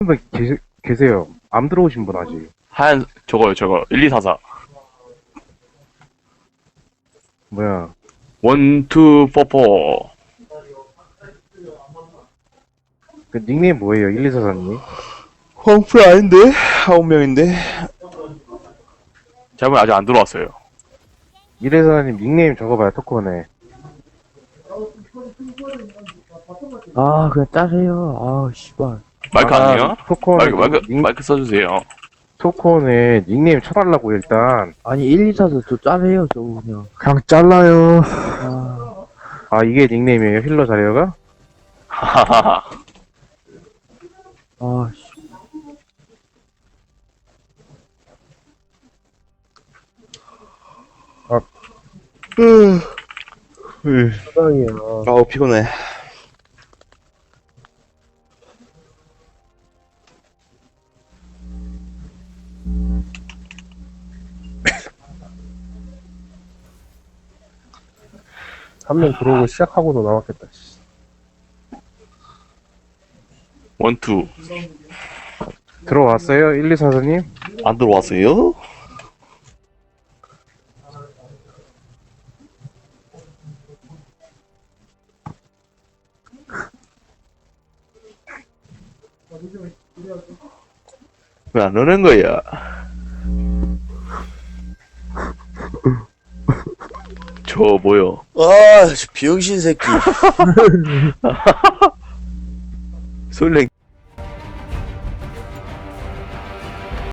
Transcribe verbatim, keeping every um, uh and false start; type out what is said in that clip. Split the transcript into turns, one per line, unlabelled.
분 계세, 계세요. 암 들어오신 분 아직.
하얀 저거요 저거 일이사사
뭐야.
원투 포포.
그 닉네임 뭐예요? 일이사사님?
황풀 아닌데? 아홉 명인데?
제가 아직 안 들어왔어요.
일이사사님 닉네임 적어봐요. 토크원에.
아, 그냥 짜세요. 아, 씨발.
마이크 안 돼요?
토크원에
마이크 마이크
닉,
마이크 써주세요.
토크원에 닉네임 쳐달라고 일단.
아니, 일, 이, 사도 저 짜세요, 저거 그냥.
그냥 잘라요.
아,
아 이게 닉네임이에요? 힐러 자리어가?
하하하.
아, 씨.
세상이야. 아우, 피곤해.
한 명 들어오고 시작하고도 나왔겠다. 씨.
원투.
들어왔어요? 일이사사님?
안 들어왔어요? 왜 안 오는 거야?
저 뭐요?
아, 저 비영신 새끼.
솔랭